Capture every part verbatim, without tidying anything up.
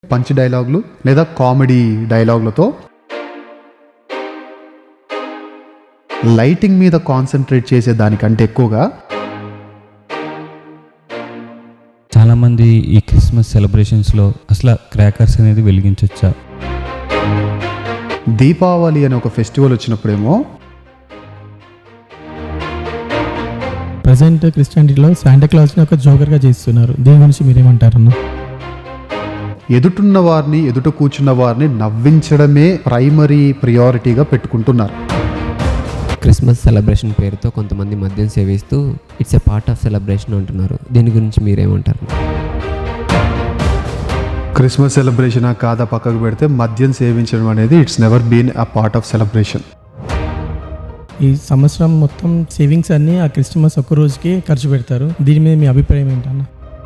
Punch డైలాగులు లేదా comedy డైలాగులతో లైటింగ్ మీద కాన్సన్ట్రేట్ చేసే దానికంటే ఎక్కువగా చాలామంది ఈ క్రిస్మస్ సెలబ్రేషన్స్లో అసలు క్రాకర్స్ అనేది వెలిగించవచ్చా? దీపావళి అనే ఒక ఫెస్టివల్ వచ్చినప్పుడేమో ప్రజెంట్ క్రిస్టియానిటీలో శాంటా క్లాస్ని ఒక జోకర్గా చేస్తున్నారు. దీని గురించి మీరేమంటారన్న? ఎదుటున్న వారిని ఎదుట కూర్చున్న వారిని నవ్వించడమే ప్రైమరీ ప్రియారిటీగా పెట్టుకుంటున్నారు. క్రిస్మస్ సెలబ్రేషన్ పేరుతో కొంతమంది మద్యం సేవిస్తూ it's a part of celebration అంటున్నారు. దీని గురించి మీరేమంటారు? క్రిస్మస్ సెలబ్రేషన్ కాదా పక్కకు పెడితే మద్యం సేవించడం అనేది it's never been a part of celebration. ఈ సంవత్సరం మొత్తం సేవింగ్స్ అన్నీ ఆ క్రిస్మస్ ఒక్క రోజుకి ఖర్చు పెడతారు. దీని మీద మీ అభిప్రాయం ఏంటన్న?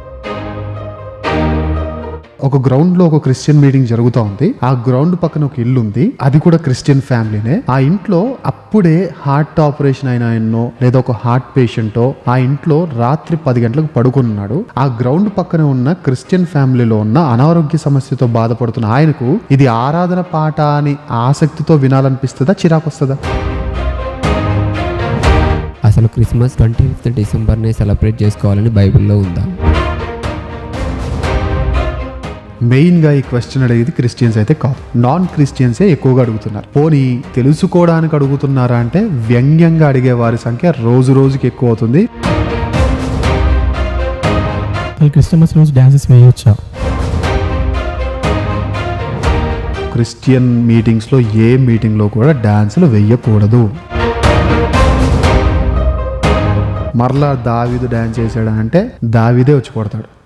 ఒక గ్రౌండ్ లో ఒక క్రిస్టియన్ మీటింగ్ జరుగుతూ ఉంది. ఆ గ్రౌండ్ పక్కన ఒక ఇల్లు ఉంది, అది కూడా క్రిస్టియన్ ఫ్యామిలీనే. ఆ ఇంట్లో అప్పుడే హార్ట్ ఆపరేషన్ అయిన ఆయన్నో లేదా ఒక హార్ట్ పేషెంటో ఆ ఇంట్లో రాత్రి పది గంటలకు పడుకున్నాడు. ఆ గ్రౌండ్ పక్కన ఉన్న క్రిస్టియన్ ఫ్యామిలీలో ఉన్న అనారోగ్య సమస్యతో బాధపడుతున్న ఆయనకు ఇది ఆరాధన పాట అని ఆసక్తితో వినాలనిపిస్తుందా, చిరాకు వస్తుందా? అసలు క్రిస్మస్ ట్వంటీ ఫిఫ్త్ డిసెంబర్నే సెలబ్రేట్ చేసుకోవాలని బైబిల్లో ఉందా? మెయిన్గా ఈ క్వశ్చన్ అడిగేది క్రిస్టియన్స్ అయితే కాదు, నాన్ క్రిస్టియన్సే ఎక్కువగా అడుగుతున్నారు. పోనీ తెలుసుకోవడానికి అడుగుతున్నారా అంటే వ్యంగ్యంగా అడిగే వారి సంఖ్య రోజు రోజుకి ఎక్కువ అవుతుంది. క్రిస్మస్ రోజు డాన్సెస్ వేయొచ్చా? క్రిస్టియన్ మీటింగ్స్లో ఏ మీటింగ్లో కూడా డాన్సులు వేయకూడదు. మరలా దావీదు డాన్స్ చేశాడు అంటే దావీదే వచ్చి కొడతాడు.